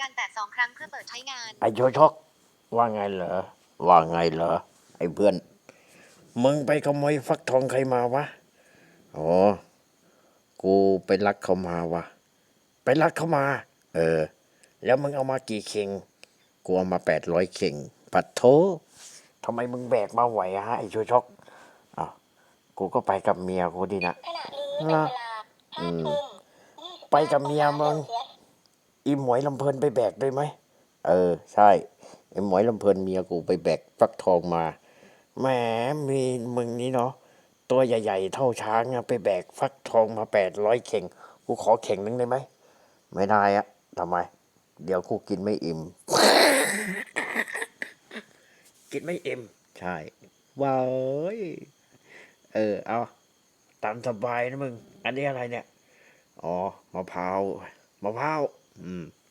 การแตะ2 ครั้งเพื่อเปิดใช้งานไอ้โชชกว่าไงเหรอไอ้เพื่อนมึงไปขโมยฟักทองใครมาวะอ๋อกูไปลักเขามาวะไปลักเขามาแล้วมึงเอามากี่เข่งกูเอามา800 เข่งปัดโถทำไมมึงแบกมาไหวฮะไอ้โชชกอ้าวกูก็ไปกับเมียกูดีนะขณะนี้เป็นเวลาอืม 5 ทุ่มไปกับเมียมึงอีหมวยลำเพลินไปแบกด้วยไหมใช่ ไอ้หมวยลำเพลินเมียกูไปแบกฟักทองมาแหมมีมึงนี่เนาะตัวใหญ่ๆเท่าช้างอะไปแบกฟักทองมา800 เข่งกูขอเข่งนึงได้ไหมไม่ได้อะทำไมเดี๋ยวกูกินไม่อิ่ม กินไม่อิ่มใช่ว้ายเอาตามสบายนะมึงอันนี้อะไรเนี่ยอ๋อมะพร้าวอืม